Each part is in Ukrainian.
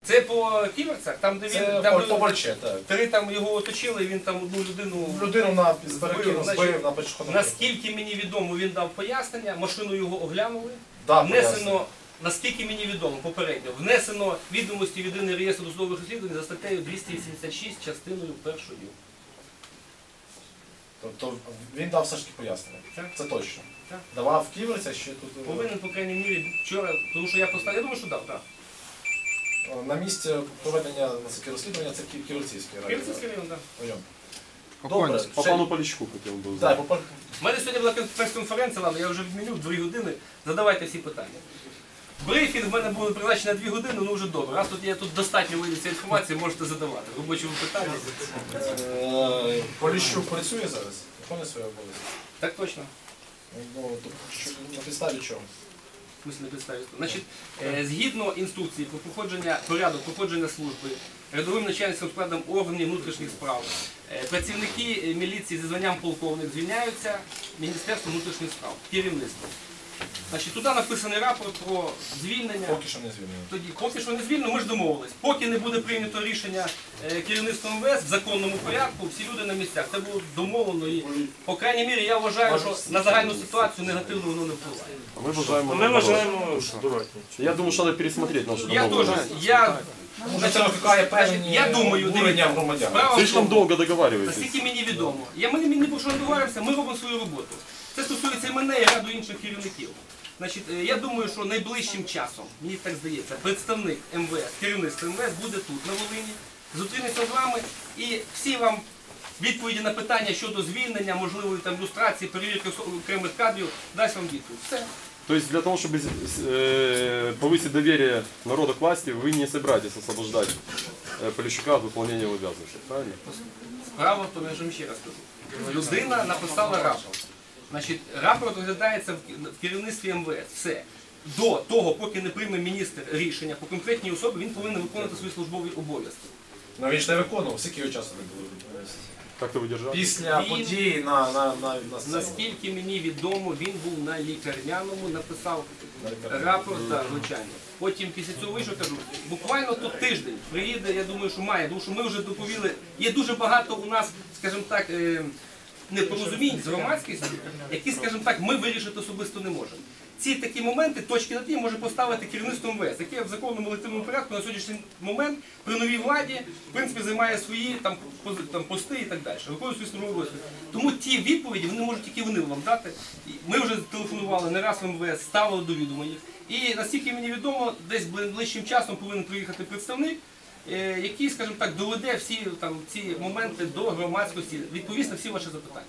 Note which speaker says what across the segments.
Speaker 1: Це по Ківерцях, там де він
Speaker 2: по Бальче, так.
Speaker 1: три там його оточили, і він там одну людину
Speaker 2: На збив на пешеходному.
Speaker 1: Наскільки мені відомо, він дав пояснення, машину його оглянули,
Speaker 2: Да,
Speaker 1: внесено, наскільки мені відомо, попередньо, внесено відомості в єдиний реєстр досудових розслідувань за статтею 286 частиною 1.
Speaker 2: Тобто він дав все ж таки пояснення.
Speaker 1: Так.
Speaker 2: Це точно.
Speaker 1: Так.
Speaker 2: Давав Ківерця, ще тут...
Speaker 1: Повинен, по крайній мірі, вчора, тому що я поставив, я думаю, що дав, так.
Speaker 2: На місці проведення розслідування це Ківерцівський район.
Speaker 1: Ківерцівський район, так.
Speaker 2: Добре.
Speaker 3: По пану Поліщуку хотів би
Speaker 2: Так,
Speaker 3: знати.
Speaker 1: У мене сьогодні була прес-конференція, ладно, я вже відміню 2 години, задавайте всі питання. Брифінг в мене був призначений на 2 години, ну вже добре. Раз тут є тут достатньо виявиться інформації, можете задавати. В робочому питанні.
Speaker 2: Поліщук працює зараз? Виконує свої обов'язки?
Speaker 1: Так точно.
Speaker 2: Ну, на підставі чого?
Speaker 1: В смысле, не підставі. Значить, згідно інструкції про порядок проходження служби рядовим начальницьким складом органів внутрішніх справ, працівники міліції зі званням полковник звільняються Міністерством внутрішніх справ, керівництвом. Значить, туди написаний рапорт про звільнення.
Speaker 2: Поки що не звільнено.
Speaker 1: Тоді, поки що не звільнено, ми ж домовились. Поки не буде прийнято рішення керівництвом МВС в законному порядку, всі люди на місцях. Це було домовлено і, по крайній мірі, я вважаю, що на загальну ситуацію негативно воно не впливає.
Speaker 3: А ми вважаємо...
Speaker 4: Ми вважаємо,
Speaker 3: Я думаю, що треба пересмотрети нашу
Speaker 1: Я
Speaker 3: домовленість.
Speaker 1: теж,
Speaker 2: Може це викликає певні
Speaker 1: я думаю,
Speaker 2: обурення громадян.
Speaker 1: справа в
Speaker 3: Слишком
Speaker 1: тому,
Speaker 3: довго договарюєтесь.
Speaker 1: наскільки мені відомо. Ми про що не договоримося, ми робимо свою роботу. Це стосується і мене, і ряду інших керівників. Значить, я думаю, що найближчим часом, мені так здається, представник МВС, керівництво МВС буде тут, на Волині, зустрінеться з вами і всі вам відповіді на питання щодо звільнення, можливої там люстрації, перевірки окремих кадрів, дасть вам відповідь. Все.
Speaker 3: То есть для того, чтобы повысить доверие народа к власти, вы не собираетесь освобождать Поліщука от выполнения обязанностей, правильно?
Speaker 1: Справа в тому, я ж вам ще раз кажу. Людина написала рапорт. Значить, рапорт розглядається в керівництві МВС. Все. До того, поки не прийме міністр рішення по конкретній особі, він повинен виконувати свої службові обов'язки.
Speaker 2: Ну він ж не виконував, скільки його часу не було.
Speaker 3: Как-то ви держали?
Speaker 2: Після події на сцені.
Speaker 1: Наскільки мені відомо, він був на лікарняному, написав рапорт, так, звичайно. Потім після цього вийшов, кажу, буквально тут тиждень приїде, я думаю, що має, тому що ми вже доповіли, є дуже багато у нас, скажімо так, непорозумінь з громадськістю, які, скажімо так, ми вирішити особисто не можемо. Ці такі моменти, точки над «і» може поставити керівництво МВС, яке в законному елективному порядку на сьогоднішній момент при новій владі, в принципі, займає свої там пости і так далі, виконує свої службові обов'язки. Тому ті відповіді вони можуть тільки вони вам дати. Ми вже телефонували не раз в МВС, ставили до відома їх. І наскільки мені відомо, десь ближчим часом повинен приїхати представник, який, скажімо так, доведе всі там, ці моменти до громадськості, відповість на всі ваші запитання.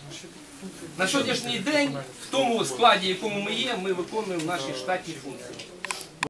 Speaker 1: На сьогоднішній день, в тому складі, в якому ми є, ми виконуємо наші штатні функції.